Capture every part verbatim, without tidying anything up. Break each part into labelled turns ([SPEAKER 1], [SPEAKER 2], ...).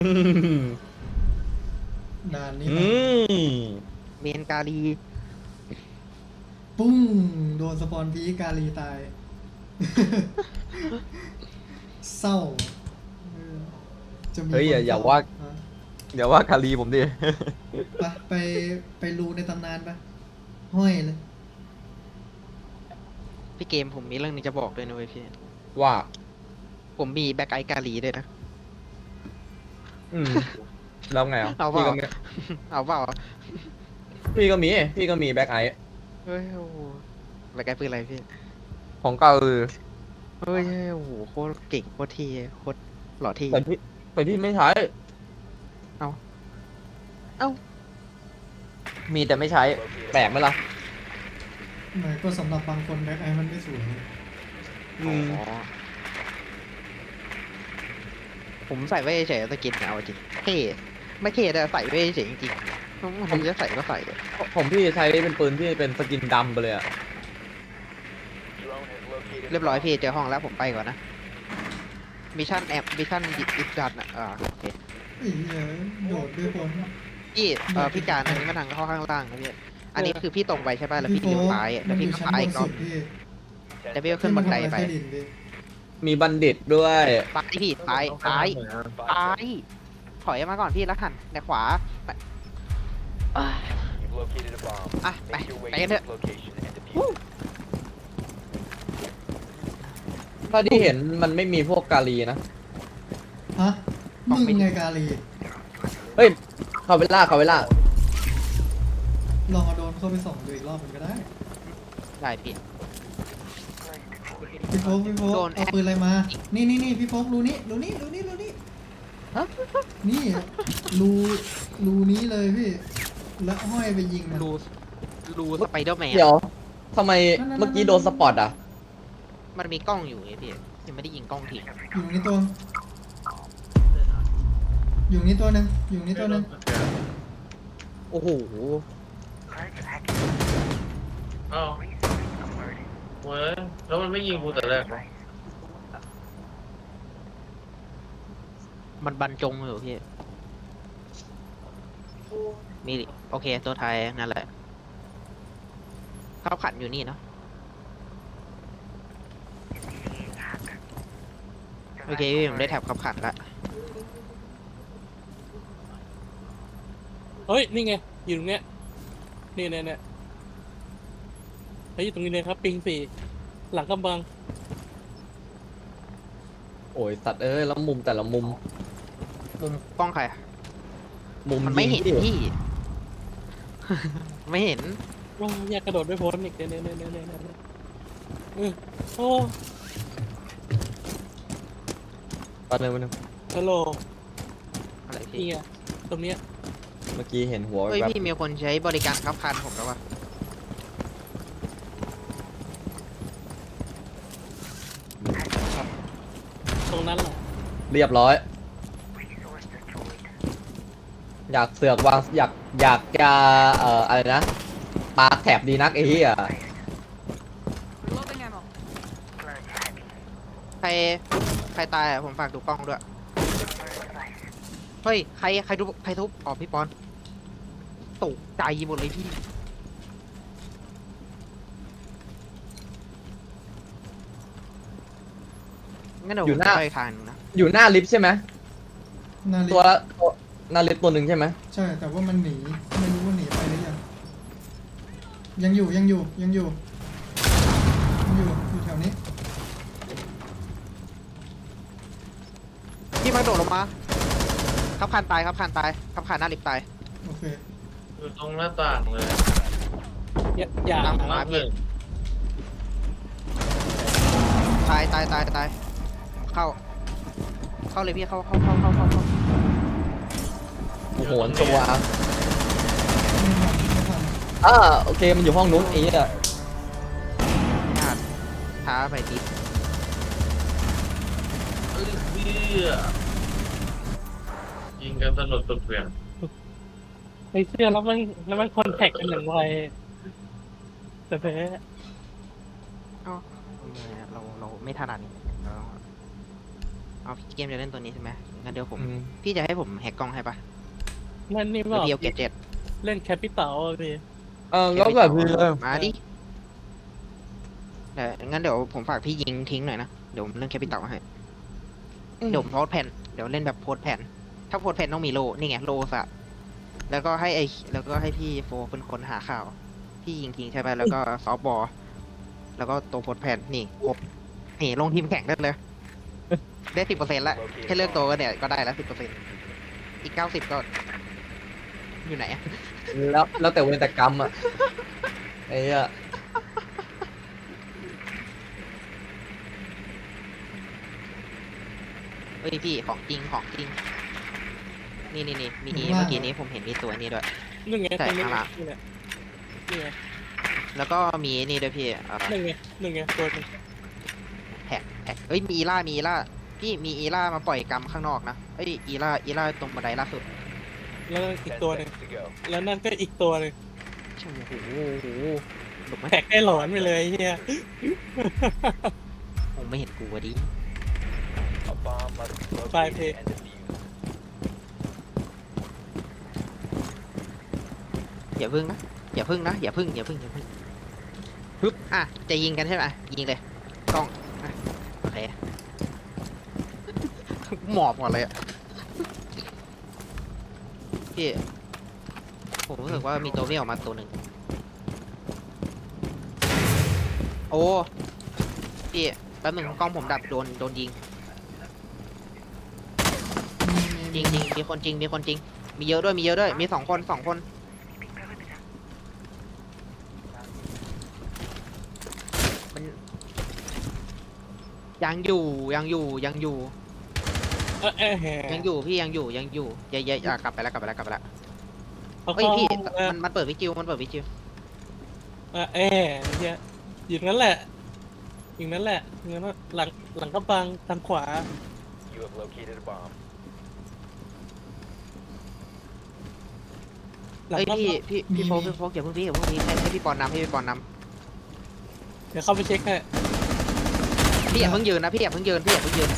[SPEAKER 1] ด่านนี้
[SPEAKER 2] อื
[SPEAKER 1] มัน
[SPEAKER 2] ม
[SPEAKER 3] เมนกาลี
[SPEAKER 1] ปุ้งโดนสปอนพีกาลีตาย เศร้าเออจะมี
[SPEAKER 2] เฮ้ย
[SPEAKER 1] ค
[SPEAKER 2] อย่าอย่า
[SPEAKER 1] นเศร้า
[SPEAKER 2] ว่า
[SPEAKER 1] ฮะ
[SPEAKER 2] อย่าว่าคารีผมดิ
[SPEAKER 1] ไปไปไปรูในตำนานปะห้อยเลย
[SPEAKER 3] พี่เกมผมมีเรื่องนึงจะบอกด้วยนะเว้ยพี่
[SPEAKER 2] ว่า
[SPEAKER 3] ผมมีแบ็คไอการีด้วยนะ
[SPEAKER 2] อืมแล้วไงอ่ะ
[SPEAKER 3] เอาเป
[SPEAKER 2] พี่
[SPEAKER 3] ล่า
[SPEAKER 2] ก็มี
[SPEAKER 3] เอาเปล่า
[SPEAKER 2] พี่ก็มีพี่ก็มีแบ็คไอ
[SPEAKER 3] เฮ้ยโอ้โหแบ็คไอปืนอะไรพี่
[SPEAKER 2] ของเก่าคือ
[SPEAKER 3] เฮ้ยโอ้โหโคตรเก่งโคตรเท่โคตรหล่อเท่
[SPEAKER 2] แต่พี่แต่พี่ไม่ใช้
[SPEAKER 3] เอาเอ้า
[SPEAKER 2] มีแต่ไม่ใช้ แปลกไหมล่ะ
[SPEAKER 1] หมายก็สำหรับบางคนแบ็คไอมันไม่สวย
[SPEAKER 2] อืม
[SPEAKER 3] อ๋อผมใส่ไว้เฉยๆสกินเนี่ยเอาจริงเท่ไม่เท่แต่ใส่ไว้เฉยจริงๆผมผมจะใส่ก็ใส่อะ
[SPEAKER 2] ผมพี่ใช้เป็นปืนที่เป็นสกินดำไปเลยอ่ะ
[SPEAKER 3] เรียบร้อยพี่เจอห้องแล้วผมไปก่อนนะมิชชั่นแอบมิชชั่นดิสดันอ่ะอ่าโอเค
[SPEAKER 1] ไอ้เหี้ยโดดด้วยคน
[SPEAKER 3] พี่เอ่อพี่การอันนี้มันทางเข้าข้างล่างนะพี่อันนี้คือพี่ตรงไปใช่ป่ะแล้วพี่เลี้ยวซ้ายอะแล้วพี่ก็
[SPEAKER 1] ชั้น
[SPEAKER 3] ซ้าย
[SPEAKER 1] บ
[SPEAKER 3] อี
[SPEAKER 1] น
[SPEAKER 3] กรอ
[SPEAKER 1] สุ
[SPEAKER 3] บ
[SPEAKER 1] ดพี่
[SPEAKER 3] แล้วพี่ก็ขึ้นบันไดไป
[SPEAKER 1] ใต้ดินพี่
[SPEAKER 2] มีบัณฑิตด้วย
[SPEAKER 3] ซ้ายพี่ซ้ายซ้ายซ้ายถอยมาก่อนพี่แล้วหันแต่ขวาไปเอ้ยอ่ะไปไปกันเถอะ
[SPEAKER 2] ถ้าที่เห็นมันไม่มีพวกกาลีนะ
[SPEAKER 1] ฮะมึงไงกาลี
[SPEAKER 2] เฮ้ย เขาเวล่าเขาเวล่า
[SPEAKER 1] ลองเอาโดรนเข้าไปส่องดูอีกรอบมันก็ได้
[SPEAKER 3] ได้พี่
[SPEAKER 1] พี่โฟกพี่โฟก
[SPEAKER 3] โดนแอ
[SPEAKER 1] เอา
[SPEAKER 3] ค
[SPEAKER 1] ปืนอะไรมา นี่นี่นี่พี่โฟกรูนี้รูนี้รูนี้รูนี้
[SPEAKER 3] ฮะ
[SPEAKER 1] นี่รูรูนี้เลยพี่ แล้วห้อยไปยิงมัน
[SPEAKER 3] รูรูสไปเดอร์แมน
[SPEAKER 2] เดี๋ยวทำไมเมื่อกี้โดนสปอตอ่ะ
[SPEAKER 3] มันมีกล้องอยู่ไงพี่ยังไม่ได้ยิงกล้องทิ้ง
[SPEAKER 1] อยู่นี่ตัว อยู่นี่ตัวหนึ่งอยู่นี่ตัวหนึ่ง
[SPEAKER 2] โอ้โห
[SPEAKER 4] อ้าวเว้ยแล้วมันไม่ยิงกูแต่แรกวะ
[SPEAKER 3] มันบรรจงอยู่พี่มีดิโอเคตัวไทยนั่นแหละเขาขันอยู่นี่เนาะโอเคพี่ผมได้แท็บขับขันละ
[SPEAKER 5] เฮ้ย นี่ไง อยู่ตรงเนี้ย นี่เนี่ยเนี่ยเฮ้ยอยู่ตรงนี้เลยครับ ปิงสี่ หลังกำบัง
[SPEAKER 2] โอ้ยสัตว์เอ้ยแล้วมุมแต่ละมุม
[SPEAKER 3] มุมกล้องใครอะ
[SPEAKER 2] มุม
[SPEAKER 3] มันไม่เห็น
[SPEAKER 2] ยิง
[SPEAKER 3] พี่ ไม่เห็น
[SPEAKER 5] ว้าวอยากกระโดดไม่พ้นอีกเนี่ยเนี่ยเนี่ยเนี่ยเนี่ยเออโอ้
[SPEAKER 2] ตอนนึงมันง
[SPEAKER 5] ฮัลโหล
[SPEAKER 3] อะไร
[SPEAKER 5] นี่
[SPEAKER 3] พี่
[SPEAKER 5] ไงตรงเนี้ย
[SPEAKER 2] เมื่อกี้เห็นหัว
[SPEAKER 3] เฮ้ย
[SPEAKER 2] แบบ
[SPEAKER 3] พี่มีคนใช้บริการขับคันผมแล้ววะ
[SPEAKER 5] ตรงนั้นแหละ
[SPEAKER 2] เรียบร้อย อยากเสือกวางอยากอยากจะเอ่ออะไรนะปาแถบดีนักไอ้เหี้ย
[SPEAKER 6] Loading ammo.
[SPEAKER 3] ใครใครตายอ่ะผมฝากดูกล้องด้วย เฮ้ยใครใครทุบใครทุบอ๋อพี่ปอนตกใจหมดเลยพี่งั้นเดี๋ยวผมจะไปทางนึงนะ
[SPEAKER 2] อยู่หน้าลิฟต์ใช่ไหม
[SPEAKER 1] นาฬิ
[SPEAKER 2] ตัวละตัวหน้าลิฟต์ตัวหนึ่งใช่ไหม
[SPEAKER 1] ใช่แต่ว่ามันหนีไม่รู้ว่าหนีไปหรือยังยังอยู่ยังอยู่ยังอยู่ยังอยู่อยู่แถวนี้
[SPEAKER 3] พี่มาโดดลงมาขับคันตายขับคันตายขับคันหน้าลิฟต์ตาย
[SPEAKER 1] โอเค
[SPEAKER 4] อยู่ตรงหน้าต่างเลย
[SPEAKER 5] อย่าอย่า
[SPEAKER 3] ตามผม
[SPEAKER 4] มา
[SPEAKER 3] มา
[SPEAKER 4] เพื่
[SPEAKER 3] พี่
[SPEAKER 4] อน
[SPEAKER 3] ตายตายตายตายเข้า เข้าเลยพี่เข้าเข้าเข้าเข้าเข้าเข้า
[SPEAKER 2] โอ้โหตัว
[SPEAKER 1] ไม่ทันไม่ทัน
[SPEAKER 2] อ่าโอเคมันอยู่ห้องนู้นไอ้เหี้ย
[SPEAKER 3] พลาดช้าไปที
[SPEAKER 4] เอ้ยเหี้ยยิงกันสนุกสุดเปลี่ยน
[SPEAKER 5] ไอ้เสื้อแล้วมันแล้วมันคอนแทคกันอย่างไวแต่แพ้
[SPEAKER 3] เอ้าทำไมอะเราเราไม่ถนัดนี่เราเอาพี่เกมจะเล่นตัวนี้ใช่ไหมงั้นเดี๋ยวผม
[SPEAKER 2] อืม
[SPEAKER 3] พี่จะให้ผมแฮกกล้องให้ปะ
[SPEAKER 5] นั่นนี่
[SPEAKER 3] ห
[SPEAKER 5] บ
[SPEAKER 3] รือ
[SPEAKER 5] อก
[SPEAKER 3] พี่เอาเก็บเจ็ด
[SPEAKER 5] เล่นแคปิตอลอะพี่
[SPEAKER 2] เออแล้วแบบคือ
[SPEAKER 3] มาดิเดี๋ยวงั้นเดี๋ยวผมฝากพี่ยิงทิ้งหน่อยนะ เดี๋ยวผมเล่นแคปิตอลให้ เดี๋ยวผมโพสต์แผ่น เดี๋ยวเล่นแบบโพสต์แผ่น ถ้าโพสต์แผ่นต้องมีโล นี่ไงโลสะแล้วก็ให้ไอแล้วก็ให้พี่โฟเป็นคนหาข่าว พี่ยิงทิ้งใช่ไหมแล้วก็ซอฟต์บอล แล้วก็ตัวโพสต์แผ่น นี่ครบนี่ลงทีมแข่งได้เลย ได้สิบเปอร์เซ็นต์ละแค่เลือกตัวก็เนี่ยก็ได้แล้วสิบเปอร์เซ็นต์อีกเก้าสิบก็ อยู่ไหนอะ
[SPEAKER 2] แล้วแล้วแต่เวรแต่กรรมอ่ะไอ้เหี้ย
[SPEAKER 3] เฮ้ยพี่ของจริงของจริง นี่นี่นี่มี
[SPEAKER 1] อยู่ข้างล่าง
[SPEAKER 3] เมื่อกี้นี้ผมเห็นมีตัวนี้ด้วย
[SPEAKER 5] นึ่งไง
[SPEAKER 3] ใช่
[SPEAKER 5] ตรงนี้
[SPEAKER 3] ข้างหลัง
[SPEAKER 5] นี่แหละนี่ไง
[SPEAKER 3] แล้วก็มีนี่ด้วยพี่เอ่อ
[SPEAKER 5] หนึ่งไงหนึ่งไงตัวหนึง
[SPEAKER 3] แท็กแท็กเอ้ยมีอีล่ามีอีล่าพี่มีอีล่ามาปล่อยกรรมข้างนอกนะเอ้ยอีล่าอีล่าตรงบันไดล่าสุด
[SPEAKER 5] แล้วนั่นอีกตัวหนึ่งแล้วนั่นก็อีกตัวหนึ่ง
[SPEAKER 3] โอ้โหหลุกไหม
[SPEAKER 5] แท็กได้หลอนไปเลยไอ้เฮีย
[SPEAKER 3] คงไม่เห็นกูวะดิ
[SPEAKER 5] ปลายเพลง
[SPEAKER 3] อย่าพึ่งนะอย่าพึ่งนะอย่าพึ่งอย่าพึ่งอย่าพึ่งปึ๊บอ่ะจะยิงกันใช่ไหมยิงเลยกล้องอ่ะโอเค หมอบก่อนเลยอะพี่ผมรู้สึกว่ามีตัววิ่งออกมาตัวหนึ่งโอ้พี่แป๊บหนึงกล้องผมดับโดนโดนยิง
[SPEAKER 1] มีมี
[SPEAKER 3] จริงจริงมีคนจริงมีคนจริง มีเยอะด้วยมีเยอะด้วยมีสองคนสองคนมันยังอยู่ยังอยู่ยังอยู่
[SPEAKER 5] เออเออแห
[SPEAKER 3] ยังอยู่พี่ยังอยู่ยังอยู่อย่าอย่าอย่ากลับไปแล้วกลับไปแล้วกลับไปแล้ว
[SPEAKER 5] เอา
[SPEAKER 3] เฮ้ย
[SPEAKER 5] เข้า
[SPEAKER 3] พี่
[SPEAKER 5] ห้องเออ
[SPEAKER 3] มันมันเปิดวิจิวมันเปิดวิจิว
[SPEAKER 5] เออเออไอ้เฮียอยู่นั้นแหละอยู่นั้นแหละอยู่นั้นหลังหลังกระบังทางขวาหลัง
[SPEAKER 3] เฮ้ย
[SPEAKER 5] กระ
[SPEAKER 3] พี่
[SPEAKER 5] บัง
[SPEAKER 3] พี่พี่โฟกพี่โฟกอย่าเพิ่งพี่อย่าเพิ่งพี่ให้ให้พี่ปอนนำให้พี่ปอนน
[SPEAKER 5] เดี๋ยวเข้าไปเช็คให้
[SPEAKER 3] ำพี่อย่าเพิ่งยืนนะพี่อย่าเพิ่งยืนพี่อย่าเพิ่งยืน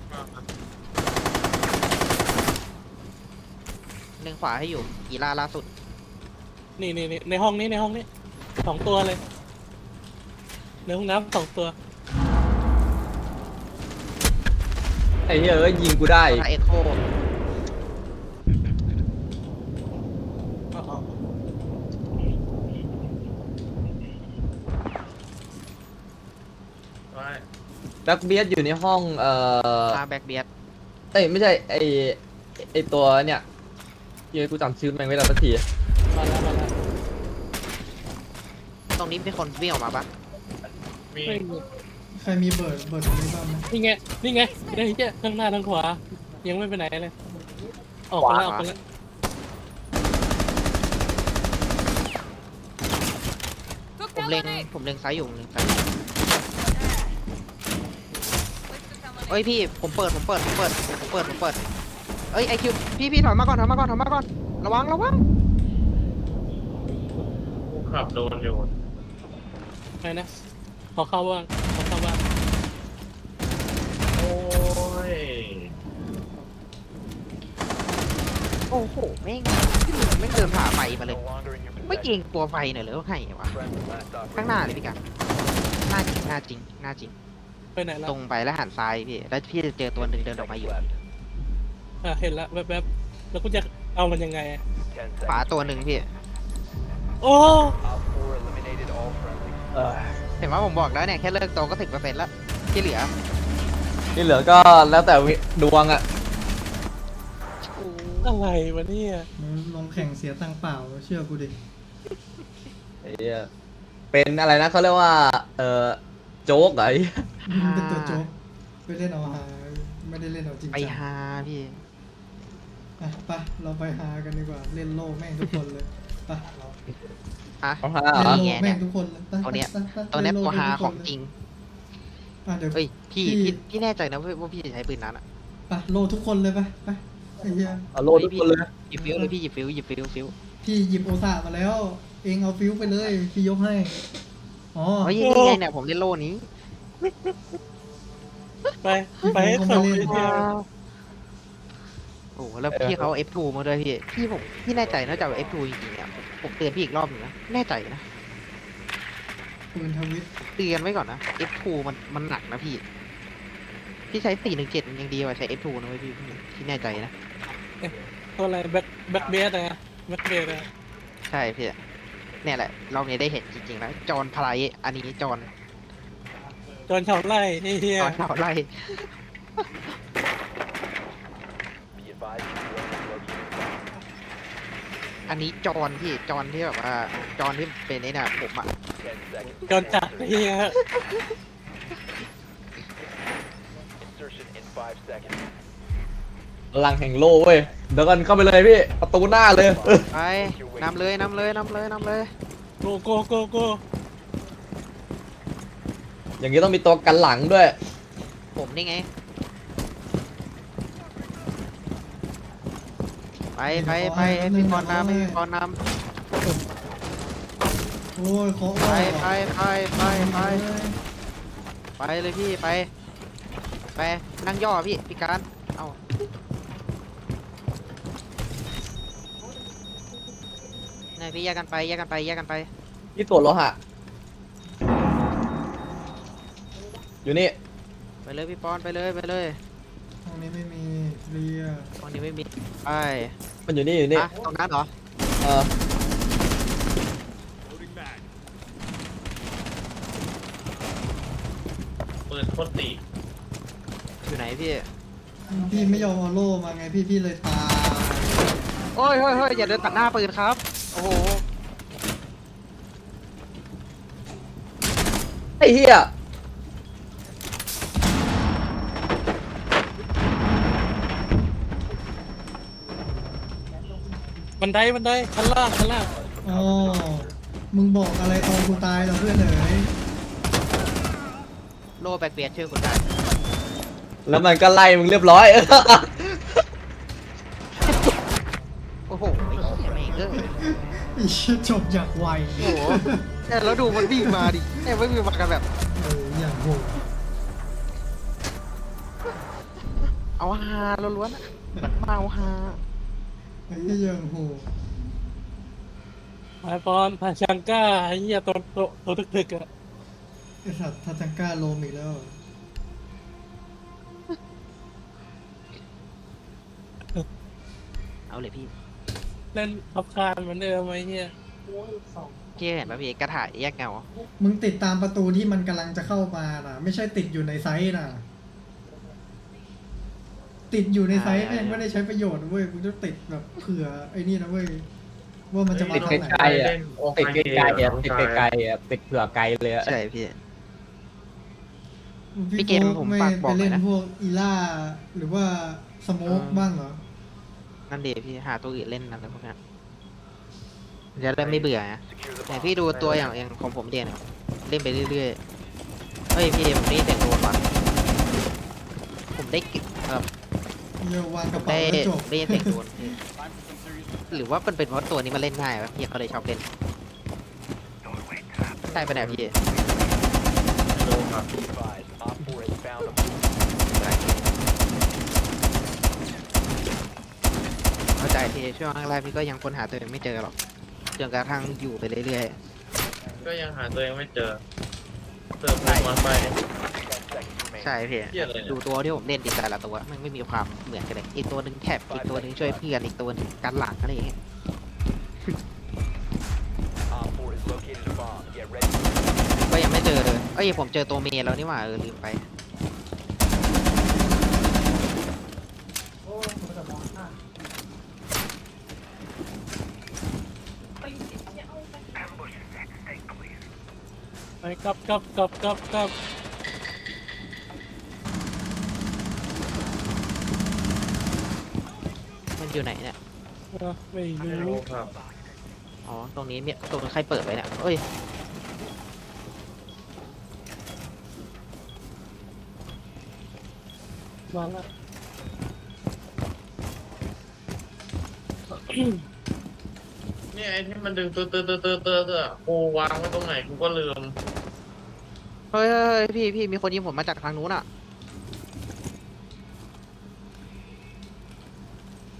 [SPEAKER 3] เล็งขวาให้อยู่กีฬาล่าสุด
[SPEAKER 5] นี่นี่นี่ในห้องนี้ในห้องนี้สองตัวเลยในห้องน้ำสองตัว
[SPEAKER 2] ไอ้เหี้ยเอ้ยยิงกูได้
[SPEAKER 3] เอ็กโค
[SPEAKER 5] อ๋ออ๋อ
[SPEAKER 4] ไว้
[SPEAKER 2] แบ็คเบียดอยู่ในห้องเอ่อ
[SPEAKER 3] มาแบ็กเบียด
[SPEAKER 2] เอ้ยไม่ใช่ไอ้ไอ้ตัวเนี่ยเหี้ยกูจำชื่อแม่งไม่ได้สักที
[SPEAKER 5] มาแล้วมาแล้ว
[SPEAKER 3] ตรงนี้มีคนวิ่งออกมาปะ
[SPEAKER 4] มี
[SPEAKER 5] ไม่มี
[SPEAKER 1] ใครมีเบิร์ดเบิร์ดตรงนี้บ้างไหม
[SPEAKER 5] นี่ไง นี่ไงไอ้เหี้ยทั้งหน้าทั้งขวา ยังไม่ไปไหนเลย ออกไปแล้วออกไปแล้ว
[SPEAKER 3] ผมเล็งผมเล็งซ้ายอยู่ผมเล็งซ้ายอยู่เอ้ยพี่ผมเปิดผมเปิดผมเปิดผมเปิดผมเปิดเอ้ยไอคิวพี่พี่ถอยมาก่อนถอยมาก่อนถอยมาก่อนระวังระวัง
[SPEAKER 4] กูขับโดนอยู่
[SPEAKER 5] ไปนะ ขอเข้าบ้างขอเข้าบ้าง
[SPEAKER 4] โอ้ย
[SPEAKER 3] โอ้โหแม่งแม่งเดินผ่าไฟมาเลย ไม่เกรงตัวไฟหน่อยเหรอว่าไงวะข้างหน้าเลยพี่กันหน้าจริงหน้าจริงหน้าจริง
[SPEAKER 5] ไปไหนแล้ว
[SPEAKER 3] ตรงไปแล้วหันซ้ายพี่แล้วพี่จะเจอตัวหนึ่งเดินออกมาอยู่
[SPEAKER 5] อ่ะเห็นแล้วแวบๆ แล้วกูจะเอามันยังไงอะ
[SPEAKER 3] ขวาตัวหนึ่งพี่
[SPEAKER 5] โอ้
[SPEAKER 2] เออ
[SPEAKER 3] เห็นว่าผมบอกแล้วเนี่ยแค่เลิกตัวก็ถึงเปอร์เซ็นต์แล้วที่เหลือ
[SPEAKER 2] ที่เหลือก็แล้วแต่ดวงอ่ะ
[SPEAKER 5] อะไรวะเนี่ย
[SPEAKER 1] มึงลงแข่งเสียตังค์เปล่าเชื่อกูดิ
[SPEAKER 2] ไอ้เหี้ยเป็นอะไรนะเขาเรียกว่าเออโจ๊กเหรอไอ้
[SPEAKER 1] มึงเป็นตัวโจ๊กไปเล่นเอาฮาไม่ได้เล่นเอาจริง
[SPEAKER 3] ไป
[SPEAKER 1] จัง
[SPEAKER 3] หาพี่
[SPEAKER 1] อ่ะไปเราไปฮากันดีกว่าเล่นโลแม่งทุกคนเลยไป
[SPEAKER 3] อ่ะ
[SPEAKER 2] เอาฮะ
[SPEAKER 1] เล่น
[SPEAKER 2] เหรอ
[SPEAKER 1] โล
[SPEAKER 3] นี่ไง
[SPEAKER 1] แม่งทุกคนเลยไป
[SPEAKER 3] ตัวเนี้ย
[SPEAKER 1] ไปไปไป
[SPEAKER 3] ตัวเนี้ย
[SPEAKER 1] เล่
[SPEAKER 3] ตัวหา
[SPEAKER 1] ทุก
[SPEAKER 3] ข
[SPEAKER 1] ค
[SPEAKER 3] อน ง
[SPEAKER 1] เลย
[SPEAKER 3] จริง
[SPEAKER 1] อ่ะเดี๋ยว
[SPEAKER 3] เฮ้ยพี่
[SPEAKER 1] พี่
[SPEAKER 3] พี่พี่แน่ใจนะว่าว่าพี่จะใช้ปืนนั้นอ่ะ
[SPEAKER 1] ไปโลทุกคนเลยไปไปไอ้เหี้ย
[SPEAKER 2] เอาโลดทุกคนเลย
[SPEAKER 3] หยิบฟิวเลยพี่หยิบฟิวหยิบฟิวฟิว
[SPEAKER 1] พี่หยิบโอซามาแล้ว เองเอาฟิวไปเลยพี่ยกให้อ๋อ
[SPEAKER 3] เฮ้ยนี่ไงเนี่ยผมเล่นโล่นี้
[SPEAKER 5] ไป ไปให้เขา
[SPEAKER 1] ผมก็ไม่เล่น
[SPEAKER 5] ไอ้เหี้ย
[SPEAKER 3] โอ้โหแล้วพี่เขา เอฟ ทู มาด้วยพี่พี่ผมพี่แน่ใจนะจะเอา เอฟ ทู จริงๆเนี่ยผมผมเตือนพี่อีกรอบหนึงนะแน่ใจนะ
[SPEAKER 1] ปืนทวิต
[SPEAKER 3] เตือนไว้ก่อนนะ เอฟ ทู มันมันหนักนะพี่พี่ใช้สี่หนึ่งเจ็ดมันยังดีกว่าใช้ เอฟ ทู นะเว้ยพี่พี่พี่แน่ใจนะ
[SPEAKER 5] ตัวอะไรแบ็คแบ็คเบสอะแบ็คเบสอะ
[SPEAKER 3] ใช่พี่เนี่ยแหละรอบนี้ได้เห็นจริงๆแล้วจอห์นพลายอันนี้จอห์น
[SPEAKER 5] จอนชาวไร่ไอ้เฮีย
[SPEAKER 3] จอห์นเท่าไร อันนี้จอห์นพี่จอห์นที่แบบว่าจอห์นที่เป็นไอ้น่ะผมอะ
[SPEAKER 5] จอนจัดไอ้เฮีย
[SPEAKER 2] พลังแห่งโลกเว้ยเดี๋ยวกันเข้าไปเลยพี่ประตูหน้าเลย
[SPEAKER 3] ไปนำเลยนำเลยนำเลยนำเลย
[SPEAKER 5] โกโกโกโก
[SPEAKER 2] อย่างนี้ต้องมีตัวกันหลังด้วย
[SPEAKER 3] ผมนี่ไง ไปไปไปให้พี่กรณ์นำให้พี่กรณ์น
[SPEAKER 1] โอ้ยขอ
[SPEAKER 3] ำไปไปไปไปไป
[SPEAKER 1] เลย
[SPEAKER 3] ไปเลยพี่ไป ไปนั่งย่อพี่พี่การเอาเนี่ยพี่แยกกันไปแยกกันไปแยกกันไป
[SPEAKER 2] พี่ตัวจโลหะอยู่นี่
[SPEAKER 3] ไปเลยพี่ปอนไปเลยไปเลย
[SPEAKER 1] ห้องนี้ไม่มีเคลียร์
[SPEAKER 3] ตรงนี้ไม่มีไป
[SPEAKER 2] มันอยู่นี่อยู่นี่
[SPEAKER 3] อ่ะตรงนั้นเหรอ
[SPEAKER 2] เออ
[SPEAKER 4] ปืนโคตรตี
[SPEAKER 3] อยู่ไหนพี่
[SPEAKER 1] พี่ไม่ยอมเอาโล่มาไงพี่พี่เลยตาย
[SPEAKER 3] โอ้ยเฮ้ยเฮ้ยอย่าเดินตัดหน้าปืนครับ โอ้โห
[SPEAKER 2] ไอ้เหี้ย
[SPEAKER 5] บันไดบันไดชั้นล่างชั้นล่าง
[SPEAKER 1] อ๋อมึงบอกอะไรตอนกูตายเหรอเพื่อนเอ๋ย
[SPEAKER 3] โลแบกเบียดช่วยคุณได้
[SPEAKER 2] แล้วมันก็ไล่มึงเรียบร้อย
[SPEAKER 3] โอ้โหไอ้เหี้ยแม่งเอ้ย
[SPEAKER 1] ไอ้เหี้ยจบอย่างไว
[SPEAKER 3] โอ้โหเนี่ยแล้วดูมันวิ่งมาดิเนี่ยไม่วิ่งมากันแบบ
[SPEAKER 1] เอออย่างโหด
[SPEAKER 3] เอาฮาล้วนๆอะแบบมาเอาฮา
[SPEAKER 1] ไอ้เหี้ยอย่างโหด
[SPEAKER 5] ไอปอนพาชังก้าไอ้เฮียตัวตัวตัวตึกๆอะ
[SPEAKER 1] ไอ้สัตว์ทัจังก้าโลมอีกแล้ว
[SPEAKER 3] เอาเลยพี่
[SPEAKER 5] เล่นขับคานเหมือนเดิมไอ้เฮีย
[SPEAKER 3] พี่เห็นป่ะพี่กระถายแยกเงา
[SPEAKER 1] มึงติดตามประตูที่มันกำลังจะเข้ามาน่ะ ไม่ใช่ติดอยู่ในไซส์น่ะ ติดอยู่ในไซส์แม่งไม่ได้ใช้ประโยชน์นะเว้ยมึงต้องติดแบบเผื่อไอ้นี่นะเว้ยว่ามันจะมา
[SPEAKER 2] ติด
[SPEAKER 1] ทางไหน
[SPEAKER 2] ไกลๆอ่ะติดไกลๆอ่ะติดไกลๆอ่ะติดเผื่อไกลเลยอ่ะ
[SPEAKER 3] ใช่พี่ พี่
[SPEAKER 1] พี่
[SPEAKER 3] เกม
[SPEAKER 1] โฟก
[SPEAKER 3] ผม
[SPEAKER 1] ไม่
[SPEAKER 3] ฝากบ
[SPEAKER 1] ไป
[SPEAKER 3] อกหน่
[SPEAKER 1] เล่
[SPEAKER 3] อย
[SPEAKER 1] น
[SPEAKER 3] นะ
[SPEAKER 1] พวกอีล่าหรือว่าสโมก
[SPEAKER 3] เออ
[SPEAKER 1] บ้างเหรอ
[SPEAKER 3] นั่นเดี๋ยวพี่หาตัวอื่นเล่นอะไรพวกนั้นจะได้ไม่เบื่อนะแต่พี่ดูตัวอย่างอย่างของผมเดียนเล่นไปเรื่อยๆเฮ้ยพี่ผมได้เสียงโดนว่ะผมได้กิเออ
[SPEAKER 1] เดี๋ยววางกระ
[SPEAKER 3] ได้
[SPEAKER 1] เป๋าแล้วจบ
[SPEAKER 3] ได้เสียงโดนพี่หรือว่ามันเป็นเพราะตัวนี้มันเล่นง่ายวะพี่เขาเลยชอบเล่นใช่ปะเนี่ยพี่
[SPEAKER 4] รู้ครับ
[SPEAKER 3] เข้าใจพี่ช่วงแรกๆพี่ก็ยังค้นหาตัวเองไม่เจอหรอกจนกระทั่งอยู่ไปเรื่อย
[SPEAKER 4] ก็ยังหาตัวเองไม่เจอเติมมาไป
[SPEAKER 3] ๆใช่พี่
[SPEAKER 4] เหี้ยอะไรเนี่ย
[SPEAKER 3] ดูตัวที่ผมเล่นดีแต่ละตัวมันไม่มีความเหมือนกันเลยอีกตัวหนึ่งแท็บอีกตัวหนึ่งช่วยเพื่อนอีกตัวหนึ่งกันหลังอะไรอย่างเงี้ยก็ยังไม่เจอเลยเอ้ยผมเจอตัวเมย์แล้วนี่หว่าเออลืมไป
[SPEAKER 5] ไปกลับกลับกลับกลับกลับ
[SPEAKER 3] มันอยู่ไหนเนี่ย
[SPEAKER 5] เออไม่
[SPEAKER 4] ไม่
[SPEAKER 5] รู้
[SPEAKER 4] รู้ครับ
[SPEAKER 3] อ๋อตรงนี้เนี่ยตรงนี้ใครเปิดไว้เนี่ยเอ้ย
[SPEAKER 5] มาละ
[SPEAKER 4] เนี่ยไอ้ที่มันดึงเตอเตอเตอเตอเตอเตอกูวางไว้ตรงไหนกูก็ลืม
[SPEAKER 3] เฮ้ยเฮ้ยเฮ้ยพี่พี่มีคนยิงผมมาจากทางนู้นอ่ะ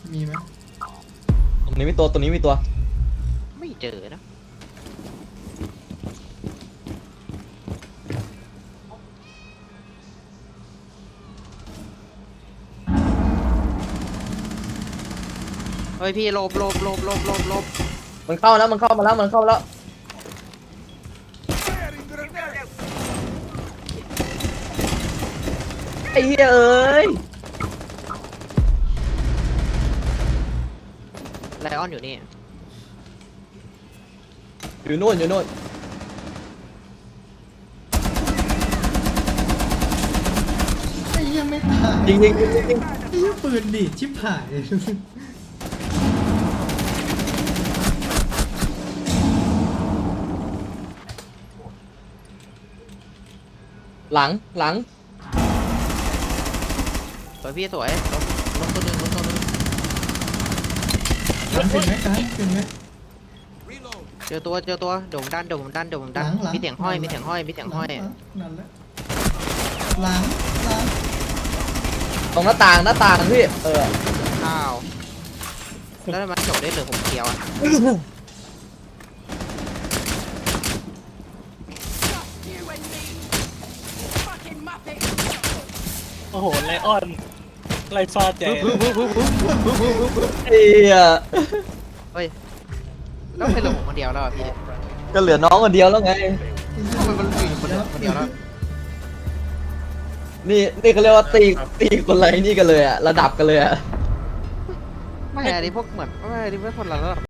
[SPEAKER 1] มีไหม
[SPEAKER 2] ตรงนี้มีตัวตรงนี้มีตัว
[SPEAKER 3] ไม่เจอนะเฮ้ยพี่หลบหลบหลบหลบหลบหลบ
[SPEAKER 2] มันเข้าแล้วมันเข้ามาแล้วมันเข้ามาแล้วไอ้เหี้ยเอ้ย
[SPEAKER 3] ไลออนอยู่นี่
[SPEAKER 2] อยู่นู่นอยู่นู่น
[SPEAKER 1] ไอ้เหี้ยังไม่ตาย
[SPEAKER 2] ยิงยิงยิงยิงยิง
[SPEAKER 1] ไอ้เหี้ยปืนดีดชิบหาย
[SPEAKER 2] หลังหลัง
[SPEAKER 3] สวยพี่สวยลบลบตัวหนึ่งลบตัวหนึ่ง
[SPEAKER 1] กันเป็นไหมกันเป็นไหม
[SPEAKER 3] เจอตัวเจอตัวเดี๋ยวผมดันเดี๋ยวผมดันเดี๋ยวผมดัน
[SPEAKER 1] หลังหลัง
[SPEAKER 3] มีเสียงห้อย
[SPEAKER 1] หลัง
[SPEAKER 3] มีเสียงห้อยมีเสียงห้อย
[SPEAKER 1] หลันั่นแหละหลังหลัง
[SPEAKER 2] ตรงหน้าต่างหน้าต่างพี่เออ
[SPEAKER 3] อ้าวแล้วมันจบได้เหลือผมเดียวอะ
[SPEAKER 5] โอ้โหไลออนไล่ฟาดใจ
[SPEAKER 2] ไอ้เหี้ย
[SPEAKER 3] เฮ้ยแล้วเป็นเหลือผมคนเดียวแล้วอะพี่
[SPEAKER 2] ก็เหลือน้องคนเดียวแล้วไง
[SPEAKER 3] ทำไมมันอยู่คนเดียวคนเดียวแล้ว
[SPEAKER 2] นี่นี่เขาเรียกว่าตีตีคนไรนี่กันเลยอะระดับกันเลยอะ
[SPEAKER 3] ไม่อันนี้พวกเหมือนไม่อันนี้ไม่คนละระดับ